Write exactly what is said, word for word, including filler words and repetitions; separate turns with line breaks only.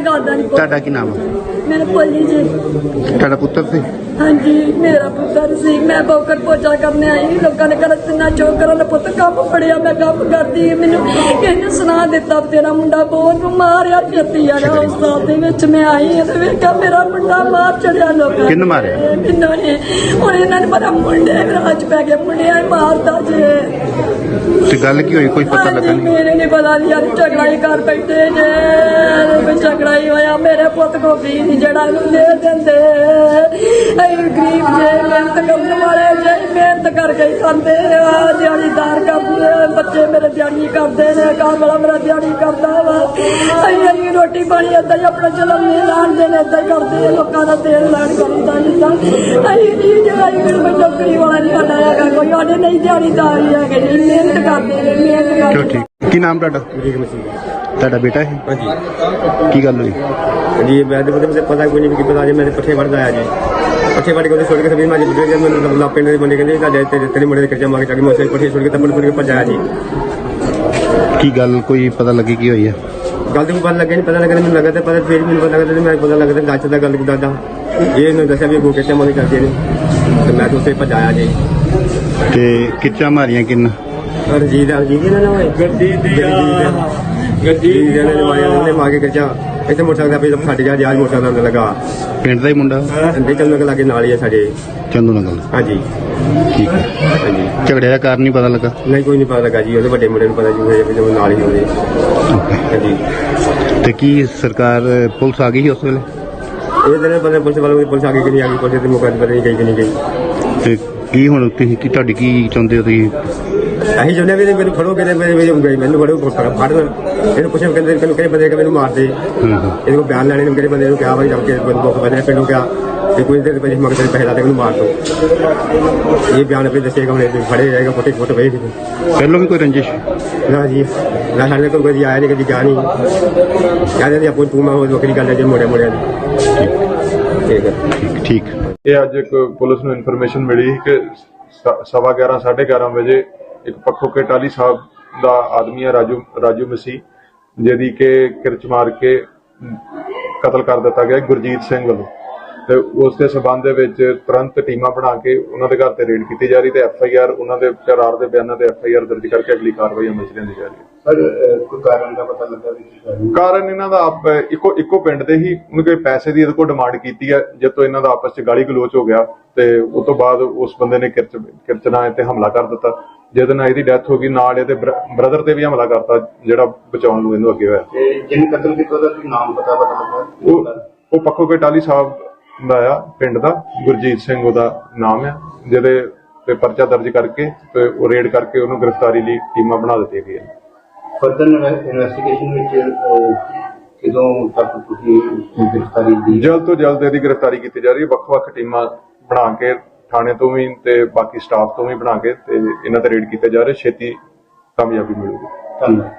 ਕਰਦਾ ਨਹੀਂ।
ਤੁਹਾਡਾ ਕੀ ਨਾਮ ਹੈ?
ਮੇਰੇ ਭੋਲੀ ਜੀ।
ਤੁਹਾਡਾ ਪੁੱਤਰ ਸੀ?
ਹਾਂਜੀ ਮੇਰਾ ਪੁੱਤਰ ਸੀ। ਮੈਂ ਬੋਕਰ ਪੋਚਾ ਕਰਨੇ ਆਈ, ਲੋਕਾਂ ਨੇ ਕਰ ਤਿੰਨਾ ਚੋਕ ਕਰਨ ਪੁੱਤ ਕੰਮ ਫੜਿਆ, ਮੈਂ ਕੰਮ ਕਰਦੀ। ਮੈਨੂੰ ਇਹਨੇ ਸੁਣਾ ਦਿੱਤਾ ਤੇਰਾ ਮੁੰਡਾ ਬਹੁਤ ਮਾਰਿਆ ਛੇਤੀ ਆ ਹਸਪਤਾਲ ਦੇ ਵਿੱਚ। ਮੈਂ ਆਈ ਤੇ ਵੇਖਿਆ ਮੇਰਾ ਮੁੰਡਾ ਮਾਰ ਚੜਿਆ ਲੋਕਾਂ।
ਕਿਹਨੇ ਮਾਰਿਆ?
ਮੈਨੂੰ ਨੇ। ਹੁਣ ਇਹਨਾਂ ਨੇ ਪਤਾ ਮੁੰਡੇ ਰਾਜ ਪੈ ਗਿਆ, ਮੁੰਡਿਆਂ ਹੀ ਮਾਰਦਾ ਜੇ।
ਤੇ ਗੱਲ ਕੀ ਹੋਈ, ਕੋਈ ਪਤਾ ਲੱਗਾ ਨਹੀਂ?
ਮੇਰੇ ਨੇ ਪਤਾ ਨਹੀਂ ਯਾਰ, ਝਗੜਾ ਹੀ ਕਰ ਬੈਠੇ ਜੇ। ਝਗੜਾ ਹੀ ਹੋਇਆ। ਮੇਰੇ ਪੁੱਤ ਕੋ ਵੀ ਨਹੀਂ ਜਿਹੜਾ ਇਹਨੂੰ ਦੇ ਦਿੰਦੇ। ਅਸੀਂ ਗਰੀਬ ਜੇ, ਮਿਹਨਤ ਕਰਨ ਵਾਲੇ ਜੇ, ਮਿਹਨਤ ਕਰਕੇ ਹੀ ਖਾਂਦੇ ਆ। ਦਿਹਾੜੀਦਾਰ ਕਰਦੇ, ਬੱਚੇ ਮੇਰੇ ਦਿਹਾੜੀ ਕਰਦੇ ਨੇ, ਘਰ ਵਾਲਾ ਮੇਰਾ ਦਿਹਾੜੀ ਕਰਦਾ ਵਾ। ਅਸੀਂ ਅਸੀਂ ਰੋਟੀ ਪਾਣੀ ਏਦਾਂ ਹੀ ਆਪਣਾ ਚਲਨ ਨਹੀਂ ਲਾਣਦੇ ਨੇ, ਏਦਾਂ ਹੀ ਕਰਦੇ। ਲੋਕਾਂ ਦਾ ਤੇਲ ਲੈਣ ਕਰੀਦਾ ਜਿੱਦਾਂ। ਅਸੀਂ ਨਹੀਂ ਜਿਹੜਾ ਕੋਈ ਨੌਕਰੀ ਵਾਲਾ ਨਹੀਂ ਸਾਡਾ ਹੈਗਾ, ਕੋਈ ਸਾਡੇ ਨਹੀਂ ਦਿਹਾੜੀਦਾਰ ਹੀ ਹੈਗੇ ਜੀ। ਮਿਹਨਤ ਕਰਦੇ ਨੇ, ਮਿਹਨਤ
ਚਲੋ
ਕਰਦੇ।
ਠੀਕ। ਕੀ ਨਾਮ ਤੁਹਾਡਾ? ਤੁਹਾਡਾ ਬੇਟਾ ਹੈ?
ਹਾਂਜੀ।
ਕੀ ਗੱਲ ਹੋਈ?
जी मैं तो मुझे पता कोई नहीं कि पता जी मैंने पट्ठे बढ़ आया जी पट्ठे बढ़ के छोड़ के सभी मैं जब मैंने पिंड के बंदे कहते तेरे मुंडे खर्चा मार के मैं पट्ठे छोड़ के तपड़ छोड़ के भजाया जी।
की गल कोई पता लगी की हुई है?
गल तो पता लगे नहीं, पता लगा मैंने लगा पता फिर मैंने पता लगा मैं पता लगा दस का गल दादा ये दसा भी गो खर्चा मार करते हैं तो मैं तो उसे भजाया जी।
ते किच्चा मारियां किन?
रजीत रजीत गड्डी मार के खर्चा इतने मोटरसाइकिल फट गया जहाज मोटरसाइकिल लगा।
पिंड का ही मुंडा?
चंदू नगर लागे नाल ही है साडे।
चंदू नगर?
हाँ जी।
ठीक है।
हाँ जी।
झगड़े का कारण नहीं पता लगा?
नहीं कोई नहीं पता लगा जी, वो बड़े मुंडे पता जी नाल ही होने। हाँ जी।
ते की सरकार पुलिस आ गई उस वेले?
ये दिन पता पुलिस वालों की पुलिस आ गई कि नहीं आ गई, पुलिस के मौके पता नहीं गई कि नहीं गई।
ते की हुण तुसीं की तुहाडी की चाहुंदे हो तुसीं?
ਅਸੀਂ ਚਾਹੁੰਦੇ ਵੀ ਮੈਨੂੰ ਫੜੋ ਕਹਿੰਦੇ ਮੇਰੇ ਮੈਨੂੰ ਫੜੋ ਫੜ ਇਹਨੂੰ ਪੁੱਛਿਆ ਕਹਿੰਦੇ ਕਿਹਨੂੰ ਕਿਹੜੇ ਬੰਦੇ ਮੈਨੂੰ ਮਾਰ ਦੇ। ਇਹਦੇ ਕੋਲ ਬਿਆਨ ਲੈਣੇ ਨੂੰ ਕਿਹੜੇ ਬੰਦੇ ਨੂੰ ਕਿਹਾ ਭਾਈ ਜਦ ਕੇ ਦੁੱਖ ਵਜੇ ਪਿੰਡੋਂ ਕਿਹਾ ਤੇ ਕੋਈ ਦੇਰ ਪਹਿਲੇ ਮਗਰ ਤੇਰੇ ਪੈਸੇ ਲਾ ਦੇ ਮੈਨੂੰ ਮਾਰ ਦੋ। ਇਹ ਬਿਆਨ ਆਪਣੇ ਦੱਸੇਗਾ ਹੁਣ ਫੜੇ ਜਾਏਗਾ ਫੋਟੇ ਫੋਟੋ ਵੇਚ ਦੇ।
ਪਹਿਲੋਂ ਵੀ ਕੋਈ ਰੰਜਿਸ਼?
ਨਾ ਜੀ ਨਾ ਸਾਡੇ ਕੋਲ ਕੋਈ ਆਇਆ ਨਹੀਂ ਕਦੀ ਗਿਆ ਨਹੀਂ। ਕਹਿੰਦੇ ਜੀ ਆਪੋ ਤੂੰ ਮੈਂ ਉਹ ਵੱਖਰੀ ਗੱਲ ਹੈ ਜੇ ਮੋੜਿਆ ਮੋੜਿਆ ਦੀ। ਠੀਕ ਹੈ
ਠੀਕ।
ਇਹ ਅੱਜ ਇੱਕ ਪੁਲਿਸ ਨੂੰ ਇਨਫੋਰਮੇਸ਼ਨ ਮਿਲੀ ਕਿ ਸਵਾ ਗਿਆਰਾਂ ਸਾਢੇ ਗਿਆਰਾਂ ਵਜੇ ਇੱਕ ਪੱਖੋ ਕੇ ਟਾਲੀ ਸਾਹਿਬ ਦਾ ਆਦਮੀ ਹੈ ਰਾਜੂ ਰਾਜੂ ਮਸੀਹ ਜਿਹਦੀ ਕਿ ਕਿਰਚ ਮਾਰ ਕੇ ਕਤਲ ਕਰ ਦਿੱਤਾ ਗਿਆ ਗੁਰਜੀਤ ਸਿੰਘ ਵੱਲੋਂ। ਤੇ ਉਸ ਦੇ ਸਬੰਧ ਦੇ ਵਿੱਚ ਤੁਰੰਤ ਟੀਮਾਂ ਬਣਾ ਕੇ ਉਹਨਾਂ ਦੇ ਘਰ ਤੇ ਰੇਡ ਕੀਤੀ ਜਾ ਰਹੀ ਤੇ ਐਫ ਆਈ ਆਰ ਉਹਨਾਂ ਦੇ ਕਰਾਰ ਦੇ ਬਿਆਨਾਂ ਤੇ ਐਫ ਆਈ ਆਰ ਦਰਜ ਕਰਕੇ ਅਗਲੀ ਕਾਰਵਾਈ ਅਮਲ ਚ ਲਿਆਂਦੀ ਜਾ ਰਹੀ ਹੈ।
ਸਰ ਕੋਈ ਕਾਰਨ ਦਾ ਪਤਾ ਲੱਗਾ ਵੀ?
ਕਾਰਨ ਇਹਨਾਂ ਦਾ ਆਪ ਇੱਕੋ ਇੱਕੋ ਪਿੰਡ ਦੇ ਹੀ ਉਹਨੇ ਕੋਈ ਪੈਸੇ ਦੀ ਇਹਦੇ ਕੋਲ ਡਿਮਾਂਡ ਕੀਤੀ ਹੈ, ਜਦ ਤੋਂ ਇਹਨਾਂ ਦਾ ਆਪਸ ਚ ਗਾਲੀ ਗਲੋਚ ਹੋ ਗਿਆ ਤੇ ਉਸ ਤੋਂ ਬਾਅਦ ਉਸ ਬੰਦੇ ਨੇ ਕਿਰਚ ਕਿਰਚ ਨਾਲ ਤੇ ਹਮਲਾ ਕਰ ਦਿੱਤਾ, ਜਿਹਦੇ ਨਾਲ ਇਹਦੀ ਡੈਥ ਹੋ ਗਈ। ਨਾਲ ਇਹਦੇ ਬ੍ਰਦਰ ਤੇ ਵੀ ਹਮਲਾ ਕਰਤਾ ਜਿਹੜਾ ਬਚਾਉਣ ਨੂੰ ਇਹਨੂੰ ਅੱਗੇ ਹੋਇਆ।
ਜਿਹਨੇ ਕਤਲ ਕੀਤਾ ਉਹਦਾ ਕੀ ਨਾਮ ਪਤਾ ਪਤਾ ਲੱਗਾ?
ਉਹ ਉਹ ਪੱਖੋ ਕੇ ਟਾਲੀ ਸਾਹਿਬ ਦਾ ਆ ਪਿੰਡ ਦਾ, ਗੁਰਜੀਤ ਸਿੰਘ ਉਹਦਾ ਨਾਮ ਆ, ਜਿਹਦੇ ਤੇ ਪਰਚਾ ਦਰਜ ਕਰਕੇ ਤੇ ਉਹ ਰੇਡ ਕਰਕੇ ਉਹਨੂੰ ਗ੍ਰਿਫਤਾਰੀ ਲਈ ਟੀਮਾਂ ਬਣਾ ਦਿੱਤੀਆਂ ਗਈਆਂ।
ਫਰਦਰ ਇਨਵੈਸਟੀਗੇਸ਼ਨ ਵਿੱਚ ਕਿਦੋਂ ਤੱਕ ਤੁਸੀਂ ਗ੍ਰਿਫਤਾਰੀ ਦੀ?
ਜਲਦ ਤੋਂ ਜਲਦ ਇਹਦੀ ਗ੍ਰਿਫਤਾਰੀ ਕੀਤੀ ਜਾ ਰਹੀ ਹੈ। ਵੱਖ-ਵੱਖ ਟੀਮਾਂ ਬਣਾ ਕੇ ਥਾਣੇ ਤੋਂ ਵੀ ਤੇ ਬਾਕੀ ਸਟਾਫ ਤੋਂ ਵੀ ਬਣਾ ਕੇ ਤੇ ਇਹਨਾਂ ਤੇ ਰੇਡ ਕੀਤੇ ਜਾ ਰਹੇ, ਛੇਤੀ ਕਾਮਯਾਬੀ ਮਿਲੂਗੀ।
ਧੰਨਵਾਦ।